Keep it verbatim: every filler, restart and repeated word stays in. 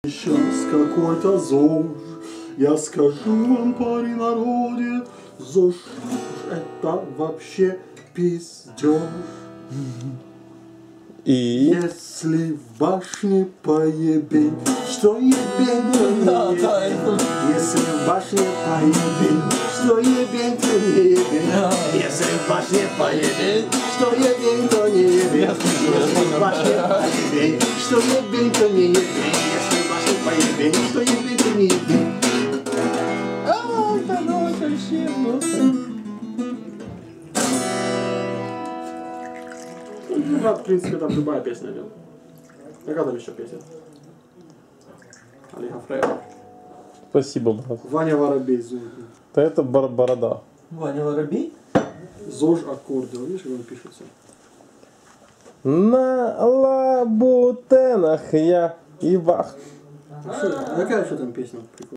Сейчас какой-то ЗОЖ, я скажу вам, парень народе, ЗОЖ это вообще пиздеж. И? Если в башне поебень, что ебень, то не ебень. Если в башне поебень, что ебень, то не ебень. Если в башне поебень, что ебень, то не ебень. Если в башне поебень, что ебень, то не ебень. Если в башне поебень, что ебень, то не ебень. А, здорово, вообще, Ну, в принципе, там любая песня идет. Какая там еще песня? Олега Фрейра. Спасибо, брат. Ваня Воробей, ЗОЖ. Да это бор борода. Ваня Воробей? ЗОЖ аккордеон, видишь, как он пишется? На лабутенах я и бах. А что, какая еще там песня?